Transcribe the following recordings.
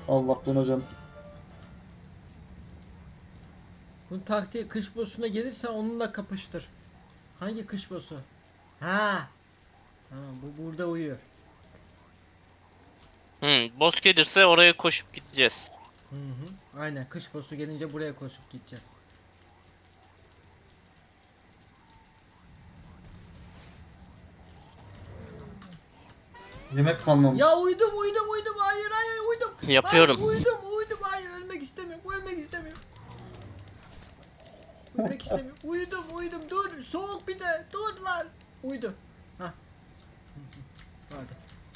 Allah'tan hocam. Bunun taktiği kış boss'una gelirsen onunla kapıştır. Hangi kış boss'u? Ha. Tamam bu burada uyuyor. Boss gelirse oraya koşup gideceğiz. Hı hı. Aynen kış boss'u gelince buraya koşup gideceğiz. Yemek Ya kalmamış. uydum. Hayır uydum. Hayır Yapıyorum. uydum. Hayır ölmek istemiyorum. Ölmek istemiyorum. Ölmek istemiyorum. Uyudum. Dur. Soğuk bir de. Dur lan. Uydu. Ha. Hadi.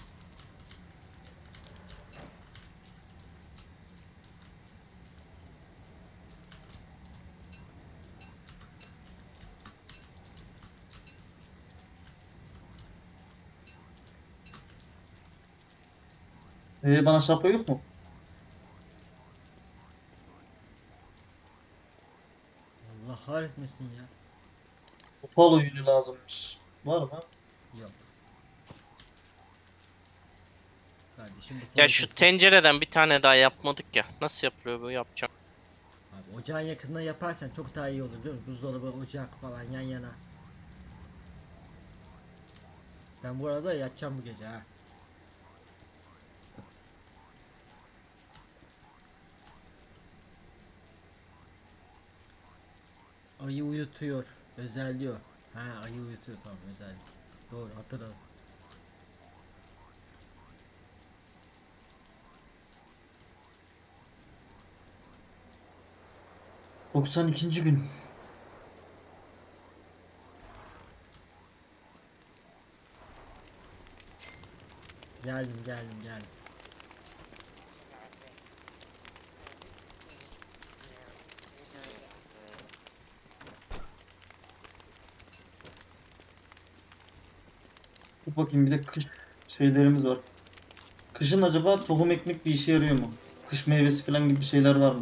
Bana şapka yok mu? Allah kahretmesin ya. Polo yünü lazımmış. Var mı? Yok. Kardeşim bu Ya fol şu kesti. tencereden bir tane daha yapmadık ya. Nasıl yapılıyor bu, yapacağım. Abi ocağın yakınına yaparsan çok daha iyi olur biliyor musun? Buzdolabı, ocak falan yan yana. Ben bu arada yatacağım bu gece ha. Ayı uyutuyor. Özelliyor. Ha ayı uyutuyor tamam özellik. Doğru hatırladım. ...92. gün. Geldim. Dur bakayım bir de kış şeylerimiz var. Kışın acaba tohum ekmek bir işe yarıyor mu? Kış meyvesi falan gibi şeyler var mı?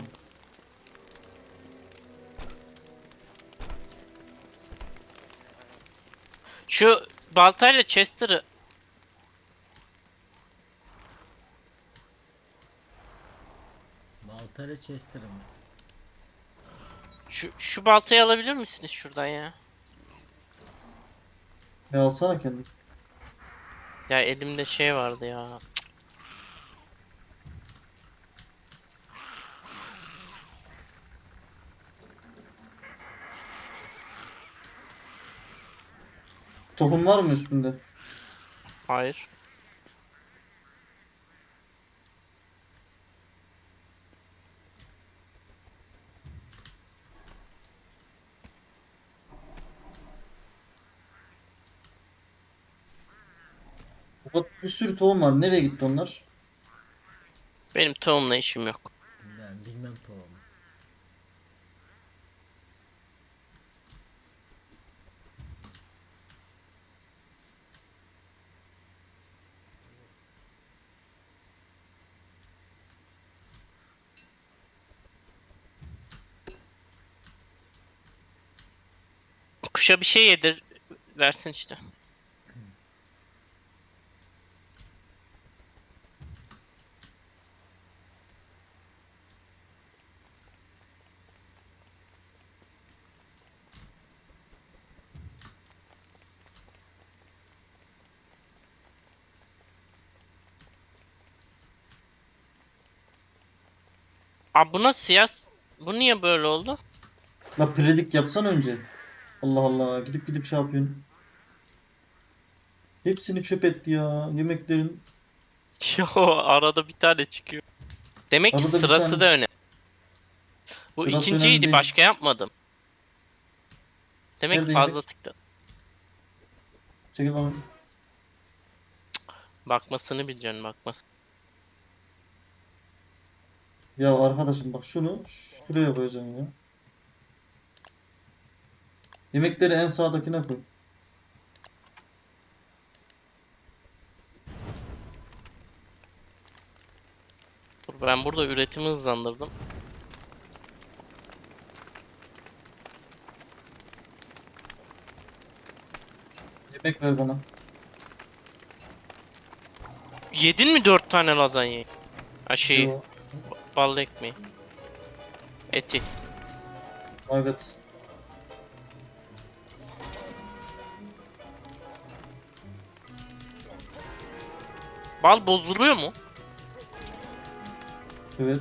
Şu baltayla Chester'ı, Baltayla Chester'ım. şu baltayı alabilir misiniz şuradan ya? Alsana kendin. Ya elimde şey vardı ya. Tohum var mı üstünde? Hayır. Bir sürü tohum var. Nereye gitti onlar? Benim tohumla işim yok. Yani bilmem tohumu. Kuşa bir şey yedir versin işte. Aa, bu nasıl ya? Bu niye böyle oldu? La predik yapsan önce. Allah Allah. Gidip şey yapıyorsun. Hepsini çöp etti ya. Yemeklerin Yo, arada bir tane çıkıyor. Demek ki arada bir sırası tane da önemli. Bu sırası önemli ikinciydi, değil. başka yapmadım. Demek ki Nerede fazla yemek? tıktı. Çekil bana. Bakmasını bileceksin, bakmasın. Ya arkadaşım bak şunu şuraya koyacaksın ya. Yemekleri en sağdakine koy. Dur, ben burada üretimi hızlandırdım. Yemek ver bana. Yedin mi 4 tane lazanyayı? Ha şeyi. Yo. ballı ekmeği. Eti. Evet. Bal bozuluyor mu? Evet.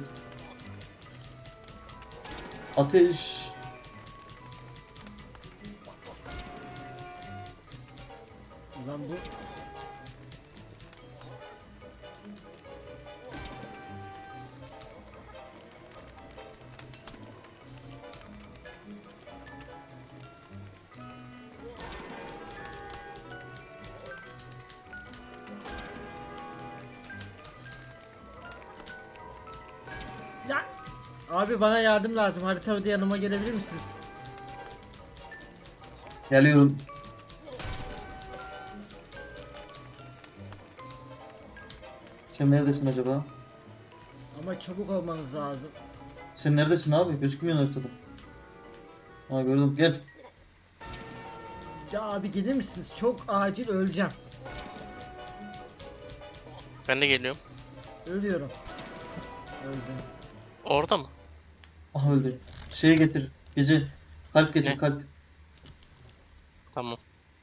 Ateş. Ulan bu ya. Abi bana yardım lazım. Haritada yanıma gelebilir misiniz? Geliyorum. Sen neredesin acaba? Ama çabuk olmanız lazım. Sen neredesin abi? Gözükmüyorsun ortada. Ha gördüm. Gel. Ya abi gelir misiniz? Çok acil öleceğim. Ben de geliyorum. Ölüyorum. Öldüm. Orada mı? Aha öldü. Şeyi getir. Gece. Kalp getir Ne? kalp. Tamam.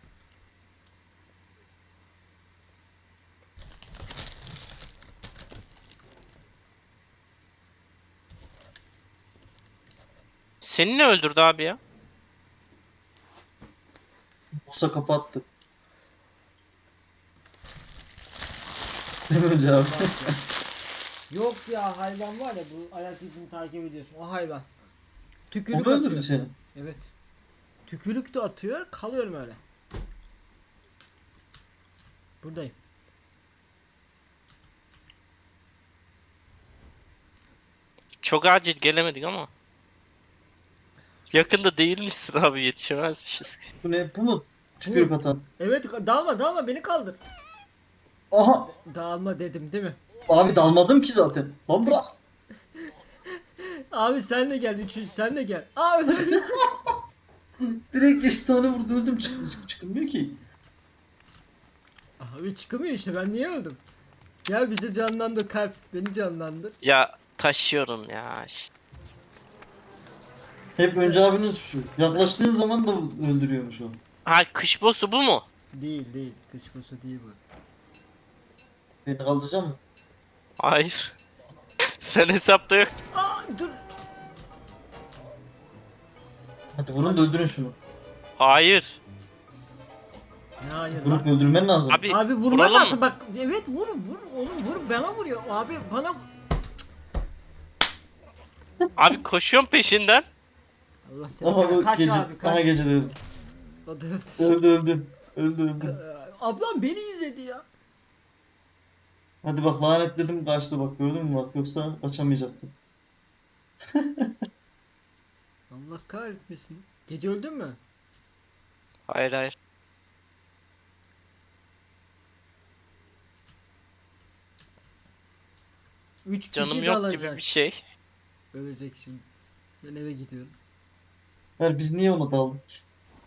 Seni ne öldürdü abi ya? Musa kafa attı. Değil mi önce abi? Yok ya hayvan var ya bu ayak izini takip ediyorsun. O hayvan. Tükürük O da öldürdü atıyor. seni. Evet. Tükürük de atıyor. Kalıyorum öyle. Buradayım. Çok acil gelemedik ama. Yakında değil misin abi, yetişemezmişiz ki. Bu ne? Bu mu? Tükürük atan. Evet dalma beni kaldır. Aha! Dağılma dedim değil mi? Abi dalmadım ki zaten. Lan bırak. Abi sen de gel. Üçüncü sen de gel. Aa öldüm. Direkt eş tane vurdu öldüm. Çıkılmıyor ki. Abi çıkamıyor işte ben niye öldüm? Gel bize canlandır kalp. Beni canlandır. Ya taşıyorum ya. Hep önce abinin suçu. Yaklaştığın zaman da öldürüyormuş o. Ha, kış boss'u bu mu? Değil. Kış bosu değil bu. Beni kaldıracak mı? Hayır. Sen hesapta yok. Aa dur. Hadi vurun da öldürün şunu. Hayır. Ne hayır Vurup lan? öldürmen lazım. Abi vurman vuralım lazım mı? bak. Evet vur oğlum vur bana vuruyor. Abi bana Abi koşuyorum peşinden. Allah seni Aha bu kaç gece. abi kaç. Aha gece de öldü. O da öldü. Öldü. Öldü. Ablam beni izledi ya. Hadi bak lanetledim kaçtı bak gördün mü bak yoksa kaçamayacaktım. Allah kahretmesin. Gece öldün mü? Hayır. 3 Canım kişi de yok alacak. gibi bir şey. Ölecek şimdi. Ben eve gidiyorum. Hayır biz niye ona daldık ki?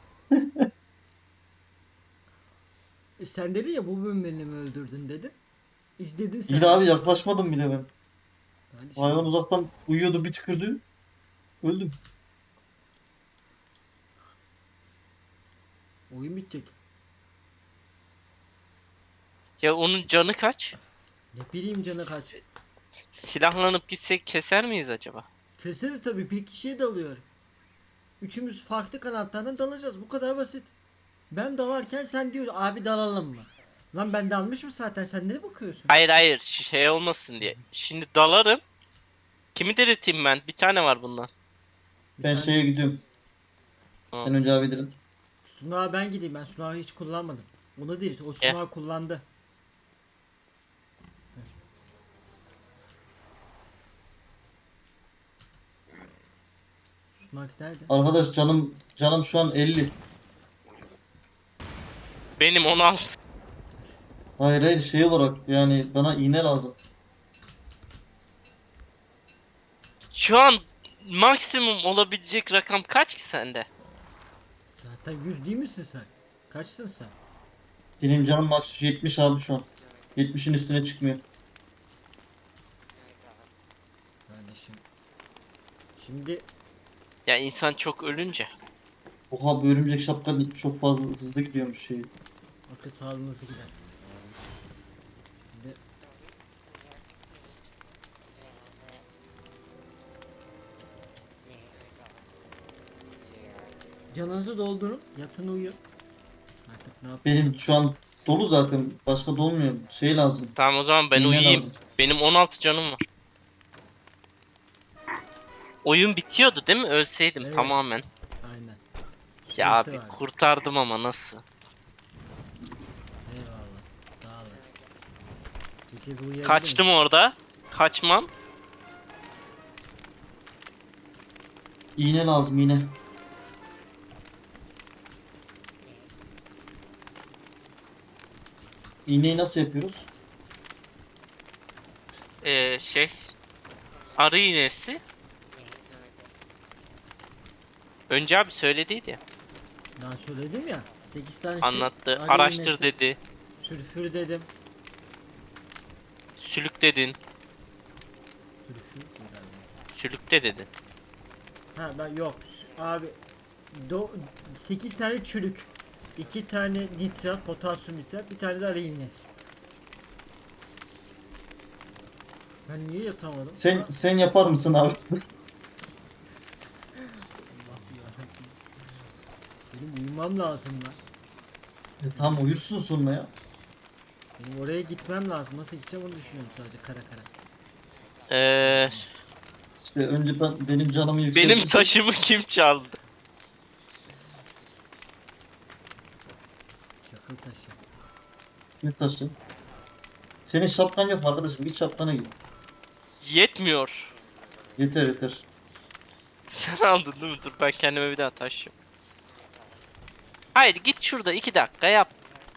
Sen dedin ya bu beni mi öldürdün dedin. İzledin sen. İyi de abi yaklaşmadım bile ben. Hadi Hayvan şimdi. uzaktan uyuyordu bir tükürdü. Öldüm. Oyun bitecek. Ya onun canı kaç? Ne bileyim canı kaç. Silahlanıp gitsek keser miyiz acaba? Keseriz tabii bir kişiye dalıyor. Üçümüz farklı kanatlardan dalacağız. Bu kadar basit. Ben dalarken sen diyor abi dalalım mı? Lan ben dalmışım zaten sen ne bakıyorsun? Hayır, şey olmasın diye. Şimdi dalarım. Kimi dirilteyim ben? Bir tane var bundan. Bir Ben tane- şeye gidiyorum. Tamam. Sen önce abi dirit. Sunağı ben gideyim ben sunağı hiç kullanmadım. Onu değil o sunağı kullandı. Sunak nerede? Arkadaş canım şu an 50. Benim 16. Hayır şey olarak yani bana iğne lazım. Şu an maksimum olabilecek rakam kaç ki sende? Zaten 100 değil misin sen? Kaçsın sen? Benim canım max 70 abi şu an. 70'in üstüne çıkmıyor. Ben Şimdi Ya insan çok ölünce. Oha, bu örümcek şapka çok fazla hızlı gidiyormuş şey. akıl sağlığınız gider. Şimdi canınızı doldurun, yatın uyuyun. Artık ne yapayım? Benim şu an dolu zaten. Başka dolmuyor. Şey lazım. Tamam o zaman ben İğne uyuyayım. lazım. Benim 16 canım var. Oyun bitiyordu değil mi? Ölseydim Evet. tamamen. Aynen. Ya Süresi abi var. kurtardım ama nasıl? Eyvallah. Sağ olasın. Gece bir uyuyabilir Kaçtım miyim? orada. Kaçmam. İğne lazım, iğne. İğneyi nasıl yapıyoruz? Şey. Arı iğnesi. Önce abi söylediydi ya. Daha söyledim ya. 8 tane Anlattı. arı Araştır iğnesi, dedi. sülfür dedim. Sülük dedin. Sülfür herhalde. Sülükte dedin. Ha ben yok. Abi 8 tane çürük. 2 tane nitrat, potasyum nitrat, bir tane de arı iğnesi. Ben niye yatamadım? Sen yapar mısın abi? Allah yarabbim. Benim uyumam lazım lan. Tamam, uyursun sonra ya. Benim oraya gitmem lazım. Nasıl gideceğim onu düşünüyorum sadece kara kara. İşte önce benim canımı Benim yükseltirsen. taşımı kim çaldı? Çakıl taşı. Ne taşı? Senin şapkan yok mu arkadaşım? Git şapkana git. Yetmiyor. Yeter yeter. Sen aldın değil mi? Dur ben kendime bir daha taş yap. Hayır git şurada 2 dakika yap.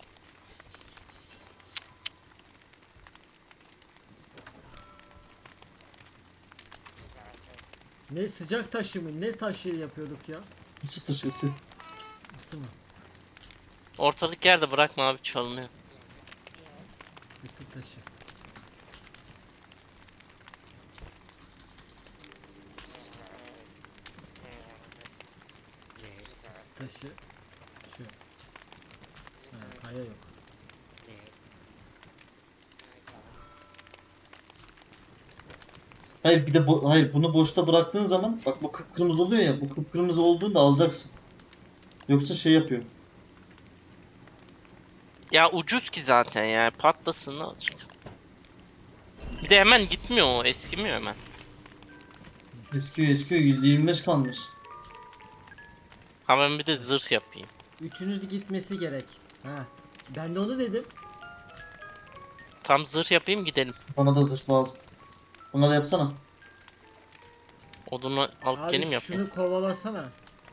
Ne sıcak taşı mı? Ne taşı yapıyorduk ya? Isı taşı, ısı. Isı mı? Ortalık yerde bırakma abi çalınıyor. Isı taşı. Isı taşı. Şu. Ha, kaya yok. Hayır bir de hayır, bunu boşta bıraktığın zaman bak, bu kıpkırmızı oluyor ya, bu kıpkırmızı olduğunda alacaksın. Yoksa şey yapıyor. Ya ucuz ki zaten ya patlasın ne olacak. Bir de hemen gitmiyor o eskimiyor hemen. Eskiyor eskiyor, %25 kalmış. Ha ben bir de zırh yapayım. Üçünüz gitmesi gerek. Ha. Ben de onu dedim. Tam zırh yapayım gidelim. Bana da zırh lazım. Bana da yapsana. Odunu alıp Abi geleyim yapayım. şunu kovalasana.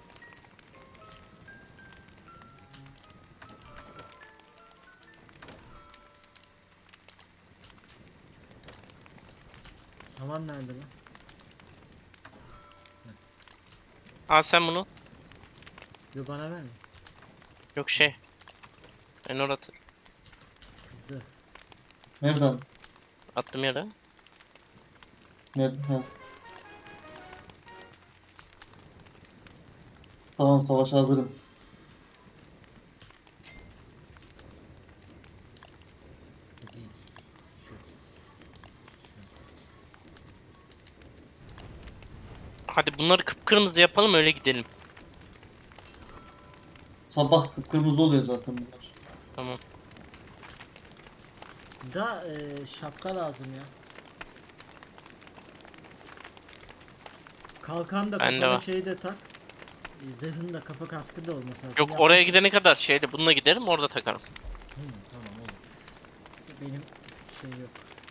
Saman nerede lan? Al sen bunu. Yo bana verme. Yok şey. Ben orada Kızı. Nereden? attım yere. Nerede? Ha. Tamam, savaşa hazırım. Bu değil. Şu. Hadi bunları kıpkırmızı yapalım öyle gidelim. Sabah kıpkırmızı oluyor zaten bunlar. Tamam. Da şapka lazım ya. Kalkan da Bende kafana var. şeyi de tak. Zırhın da kafa kaskı da olması lazım. Yok Ya- oraya gidene kadar şeyle bununla giderim orada takarım. Tamam olur. Benim şey yok.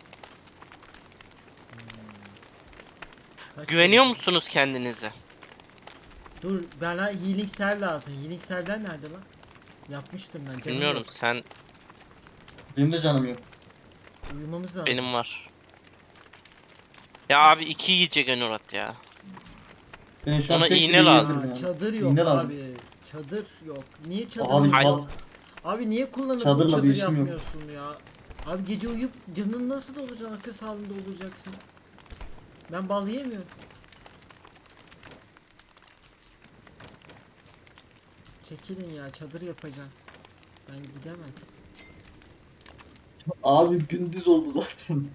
Kaç Güveniyor şey- musunuz kendinize? Dur bana healing cell lazım. Healing cell'ler nerede lan? Yapmıştım ben. Canım Bilmiyorum yok. sen Benim de canım yok. Uyumamız lazım. benim var. Ya abi 2 yiyecek Enurat ya. Ben şu an Ona tek iğne bile lazım. yiyebilirim Aa, yani. çadır yok İğne abi. lazım. Çadır yok. Niye çadır Abi yok? bak, Abi niye kullanıp bu Çadırla çadır bir işim yok. yapmıyorsun ya? Abi gece uyuyup canın nasıl dolacak? Akıl sağlığında olacaksın. Ben bal yemiyorum. çekilin ya, çadır yapacağım. Ben gidemem. Abi gündüz oldu zaten.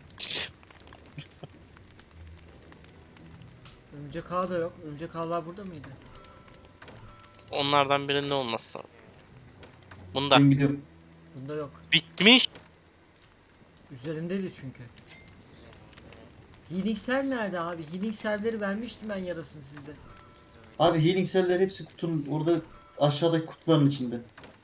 Örümcek ağ da yok. Örümcek ağlar burada mıydı? Onlardan birinde olmazsa. Bunda. Ben gidiyorum. Bunda yok. Bitmiş. Üzerimdeydi çünkü. Healing cell nerede abi? Healing cell'leri vermiştim ben yarasını size. Abi healing cell'ler hepsi kutunun orada aşağıdaki kutuların içinde.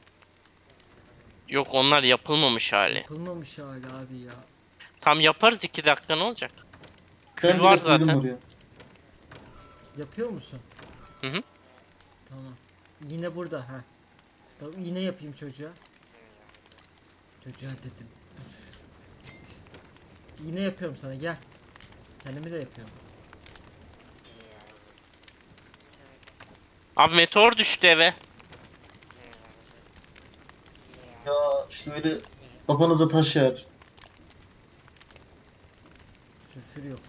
Yok, onlar yapılmamış hali. Yapılmamış hala abi ya. Tam yaparız, 2 dakika ne olacak? Kül Ben var bile koydum zaten. oraya. Yapıyor musun? Hı hı. Tamam. Yine burada ha. Tamam, yine yapayım çocuğa. Çocuğa dedim. Yine yapıyorum sana, gel. Kendimi de yapıyorum. Abi meteor düştü eve. Ya işte öyle kafanıza taş yer. Sülfür yok.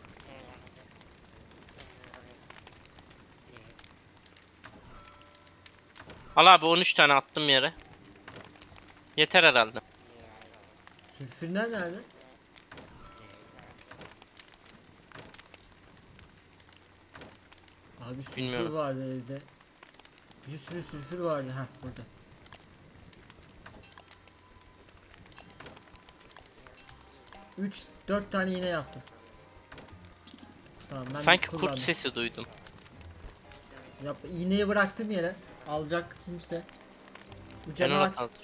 Al abi, 13 tane attım yere. Yeter herhalde. Sülfürler nerede? Abi sülfür Bilmiyorum. vardı evde. Bir sürü sülfür vardı. Ha burada. Üç, 4 tane yine yaptım. Tamam ben Sanki kullandım. kurt sesi duydum. İğneyi bıraktım yere. Alacak kimse. Bu Ben camı ona aç. kaldım.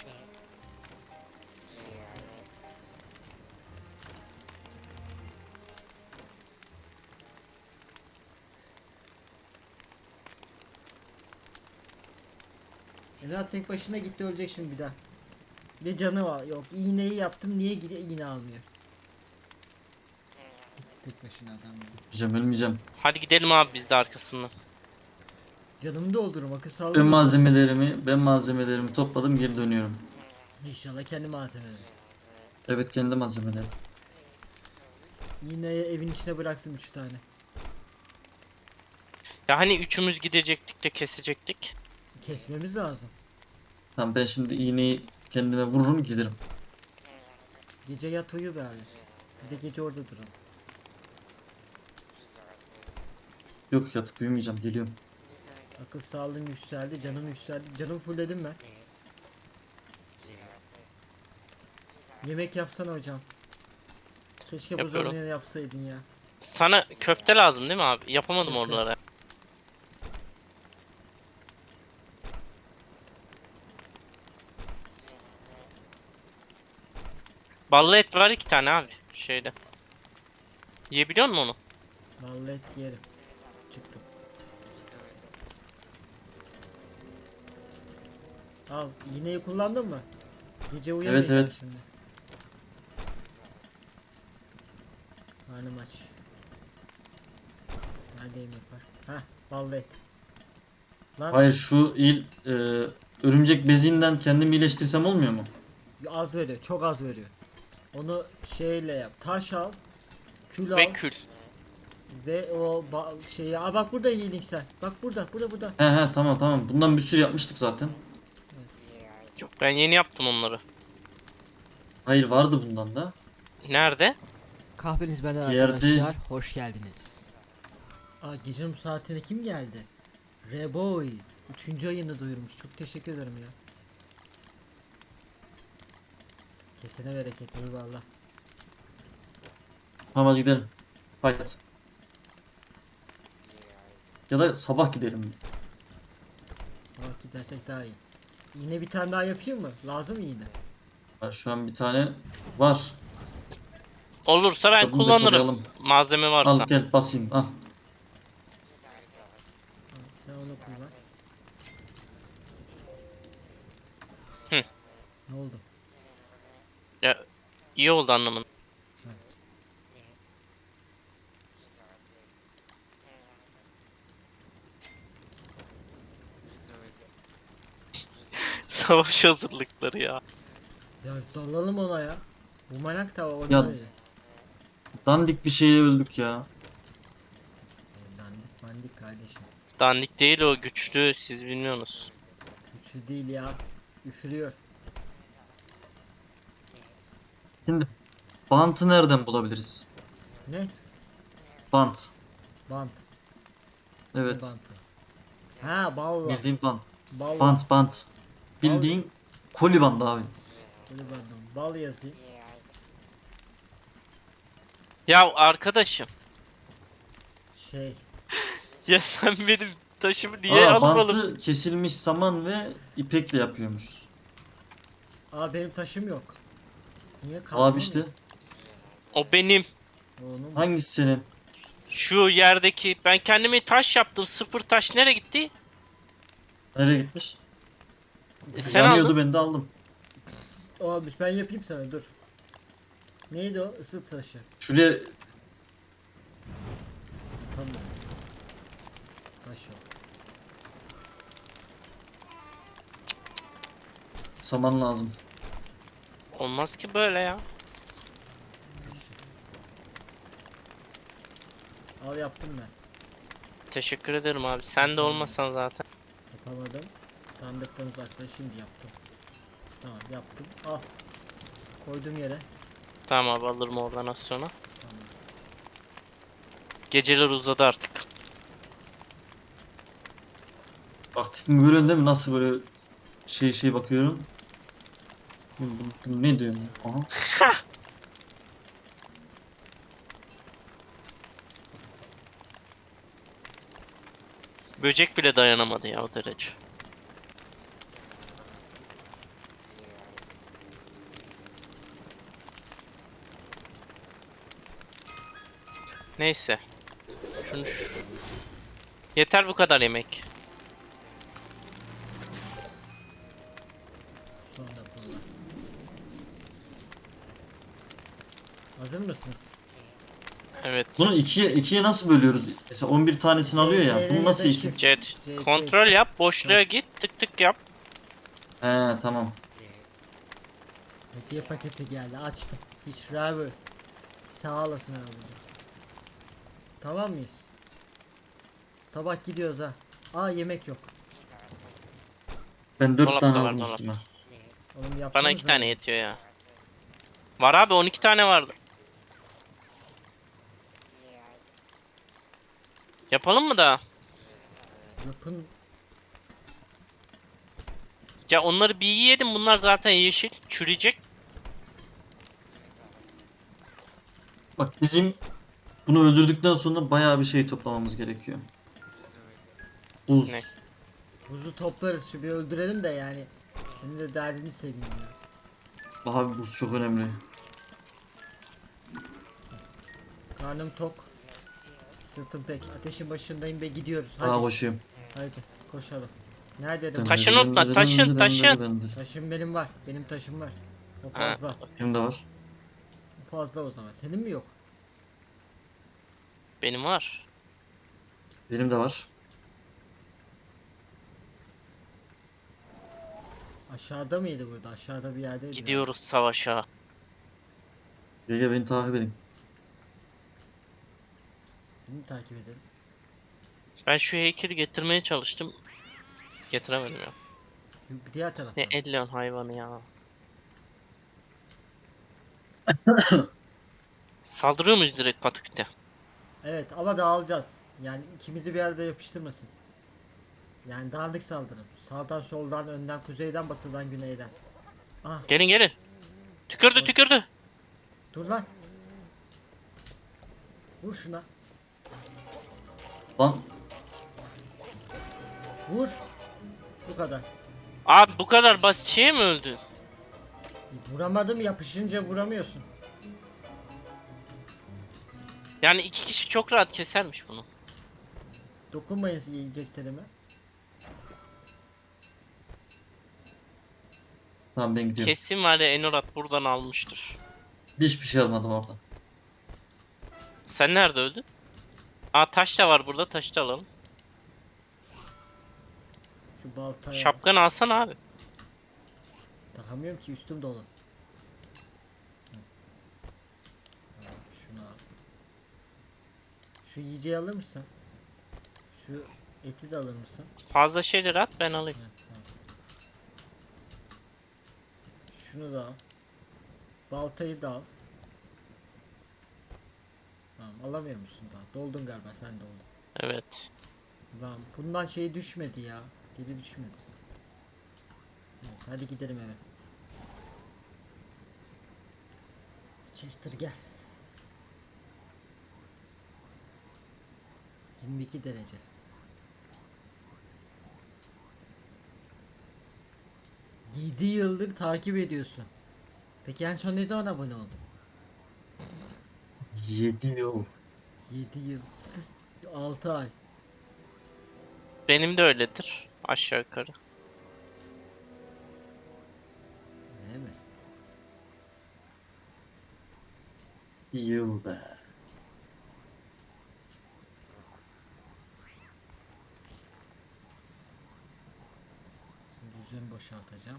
Elat tek başına gitti, ölecek şimdi bir daha. Bir canı var. Yok, iğneyi yaptım, niye gidiyor iğne almıyor. Tek başına adam ya. Ölmeyeceğim. Hadi gidelim abi, biz de arkasından. Canımı doldururum, akıl Ben sağlığım. malzemelerimi topladım, geri dönüyorum. İnşallah kendi malzemelerim. Evet, kendi malzemelerim. İğneyi evin içine bıraktım 3 tane. Ya hani üçümüz gidecektik de kesecektik. Kesmemiz lazım. Tamam, ben şimdi iğneyi kendime vururum, giderim. Gece yat uyu be abi. Biz de gece orada duralım. Yok, yatıp uyumayacağım, geliyorum. Akıl sağlığım yükseldi, canım yükseldi. Canım fullledim ben. Yemek yapsana hocam. Keşke Yapıyorum. buzdolabını yapsaydın ya. Sana köfte lazım değil mi abi? Yapamadım Köfte. oralara. Ballı et var 2 tane abi şeyde. Yiyebiliyor musun onu? Vallahi et yerim. Çıktım. Al, iğneyi kullandın mı? Gece uyuyamayacağım Evet. şimdi. Karnım aç. Nerede yemek var? Hah, ballı et. Lan Hayır, şu örümcek bezinden kendimi iyileştirsem olmuyor mu? az veriyor, çok az veriyor. Onu şeyle yap. Taş al, kül al Ve kül. ve o şeyi. Aa bak burada healing sen. Bak burada. He, tamam. Bundan bir sürü yapmıştık zaten. Yok, ben yeni yaptım onları. Hayır, vardı bundan da. Nerede? Kahveniz benden Yerde- arkadaşlar. Hoş geldiniz. Aa gecenin bu saatine kim geldi? Reboy. 3. ayını duyurmuş. Çok teşekkür ederim ya. Kesene bereket, eyvallah. Tamam, hadi gidelim. Haydi. Ya da sabah gidelim. Sabah gidersek daha iyi. Yine bir tane daha yapayım mı? Lazım mı yine? Şu an bir tane var. Olursa ben Tadını kullanırım. depolayalım. Malzeme varsa. Al gel, basayım, al. Al, sen onu kullan. Hı. Ne oldu? Ya, iyi oldu anlamın. Savaş hazırlıkları ya. Ya dalalım ona ya. Bu manak tava Ya- orada dedi. Dandik bir şeye öldük ya. Dandik mandik kardeşim. Dandik değil o, güçlü, siz bilmiyorsunuz. Şu değil ya. Üfürüyor. Şimdi bantı nereden bulabiliriz? Ne? Bant. Bant. Ne Evet. bantı? Ha, balla. Bildiğin bant. Balla. Bant. Bildiğin koli bandı abi. Böyle bandım. Bal yazayım. Ya arkadaşım. Şey. Ya sen benim taşımı niye Aa, alıp alıp... bantı kesilmiş saman ve ipekle yapıyormuşuz. Aa, benim taşım yok. Niye Abi işte O benim. Onun hangisi senin? Şu yerdeki. Ben kendime taş yaptım. Sıfır taş nereye gitti? Nereye gitmiş? Sen Yanıyordu, aldın. ben de aldım. olmuş. Ben yapayım sana, dur. Neydi o? Isı taşı. Şuraya Tamam. Taş yok. saman lazım. Olmaz ki böyle ya. Taş yok. Al, yaptım ben. Teşekkür ederim abi. Sen de olmasan zaten. Yapamadım. Sandıktan uzaklaş, şimdi yaptım. Tamam, yaptım. Al. Koydum yere. Tamam abi, alırım oradan az sonra. Tamam. Geceler uzadı artık. Bak tipimi görüyorsun değil mi? Nasıl böyle şey bakıyorum. Bu ne diyorum? Aha. Böcek bile dayanamadı ya o derece. Neyse. Şunu Yeter bu kadar yemek. Sonra bunlar. Hazır mısınız? Evet. Bunu ikiye nasıl bölüyoruz? Mesela 11 tanesini alıyor ya. Bunu nasıl iki? Jet. Jet, Kontrol yap. Boşluğa git. Tık tık yap. He, tamam. Hediye paketi geldi, açtım. Hiç driver. Sağ olasın abi. Tamam mıyız? Sabah gidiyoruz ha. Aa, yemek yok. Ben 4 Dolapta tane var, aldım dolapta. üstüme. Oğlum yapsanız Bana 2 tane yetiyor ya. Var abi, 12 tane vardı. Yapalım mı daha? Yapın. Ya onları bir yiyelim, bunlar zaten yeşil. Çürüyecek. Bak bizim bunu öldürdükten sonra bayağı bir şey toplamamız gerekiyor. Buz. Ne? Buzu toplarız, şu bir öldürelim de yani. Senin de derdini seveyim ya. Abi buz çok önemli. Karnım tok. Sırtım pek. Ateşin başındayım ve gidiyoruz. Hadi. Daha koşuyorum. Hadi koşalım. Nerede? Taşın unutma, taşın. Taşım benim var. Benim taşım var. O Ha. fazla. Benim de var. O fazla o zaman. Senin mi yok? Benim var. Benim de var. Aşağıda mıydı burada? Aşağıda bir yerdeydi. Gidiyoruz savaşa. Gel beni takip edin. Seni mi takip edelim? Ben şu heykeli getirmeye çalıştım. Getiremedim ya. Bir diğer tarafta. Ne ellion hayvanı ya. Saldırıyor muyuz direkt patikte? Evet, ama dağılacağız. Yani ikimizi bir arada yapıştırmasın. Yani dağınık saldırın. Sağdan soldan, önden kuzeyden, batıdan güneyden. Ah, Gelin gelin. Tükürdü tükürdü. dur lan. Vur şuna. Lan Vur. Bu kadar. Abi bu kadar basit şeye mi öldü? Vuramadım, yapışınca vuramıyorsun. Yani 2 kişi çok rahat kesermiş bunu. Dokunmayın yiyeceklerime. tamam, ben gidiyorum. Kesin var ya, Enorat buradan almıştır. Hiçbir şey almadım orada. Sen nerede öldün? Aa, taş da var burada, taşı da alalım. Şu baltaya. Şapkanı alsana abi. Takamıyorum ki, üstüm dolu. Hı. Tamam, şunu al. Şu yiyeceği alır mısın? Şu eti de alır mısın? Fazla şeyler at, ben alayım. Evet, tamam. Şunu da al. Baltayı da al. Tamam, alamıyor musun daha? Doldun galiba, sen doldun. Evet. Lan bundan şey düşmedi ya. Dili düşmedi. Neyse hadi gidelim eve. Chester gel. 22 derece. Yedi yıldır takip ediyorsun. Peki en son ne zaman abone oldun? 7 yıl. 7 yıl. 6 ay. Benim de öyledir. Aşağı yukarı. Öyle mi? Yıl be. Şimdi düzeni boşaltacağım.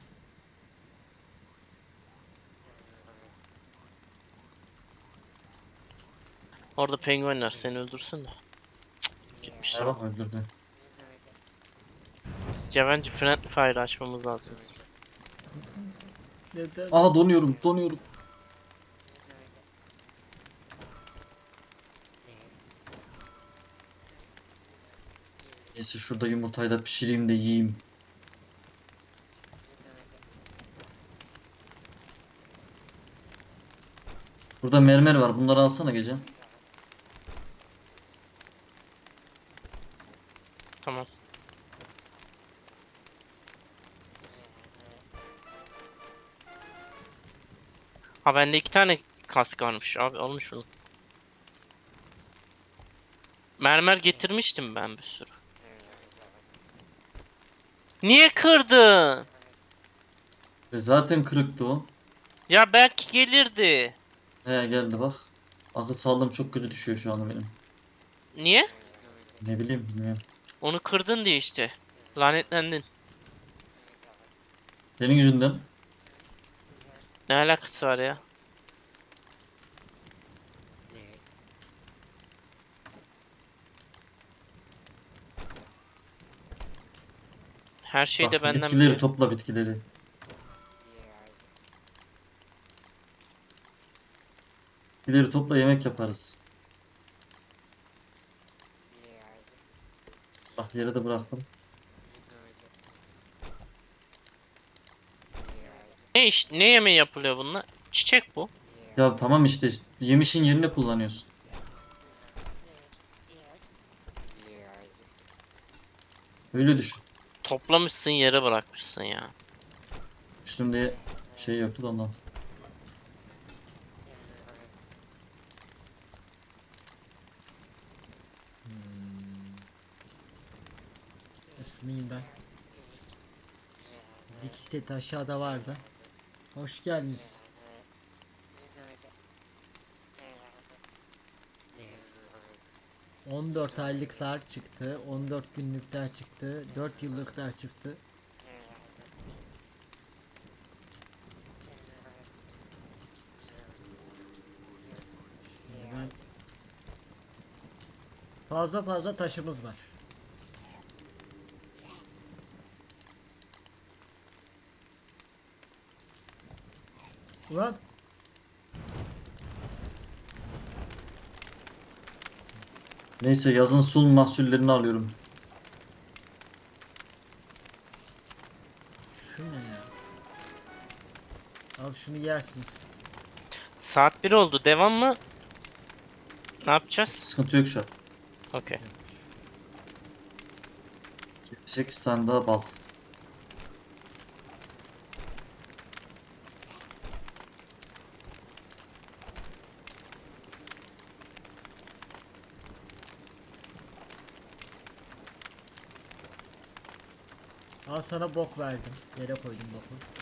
Orada penguenler seni öldürsün de. Gitmişler. Merhaba öldürdü. Bence friendly fire açmamız lazım bizim. Neden? Aa donuyorum donuyorum. Neyse şurada yumurtayı da pişireyim de yiyeyim. Burada mermer var. Bunları alsana gece. Tamam. Ha bende 2 tane kask varmış abi, almış şunu. Mermer getirmiştim ben bir sürü. Niye kırdın? Zaten kırıktı o. Ya belki gelirdi. He geldi bak. Akıl sağlığım çok kötü düşüyor şu anda benim. Niye? Ne bileyim bilmiyorum. Onu kırdın diye işte. Lanetlendin. Senin yüzünden. Ne alakası var ya? Her şey de Bak benden bitkileri biliyor. topla bitkileri. Bitkileri topla yemek yaparız. Bak yere de bıraktım. Ne yemeği yapılıyor bununla? Çiçek bu. Ya tamam işte yemişin yerine kullanıyorsun. Öyle düşün. Toplamışsın, yere bırakmışsın ya. Üstümde şey yoktu da ondan. Isınayım ben. Dikiş seti aşağıda vardı. Hoş geldiniz. ...14 aylıklar çıktı, 14 günlükler çıktı, 4 yıllıklar çıktı. Şimdi ben... Fazla taşımız var. Ulan! Neyse yazın sul mahsullerini alıyorum. Şu ne ya? Al şunu yersiniz. Saat 1 oldu. Devam mı? Ne yapacağız? Sıkıntı yok şu an. Okey. 8 tane daha bal. Al sana bok verdim. Yere koydum boku.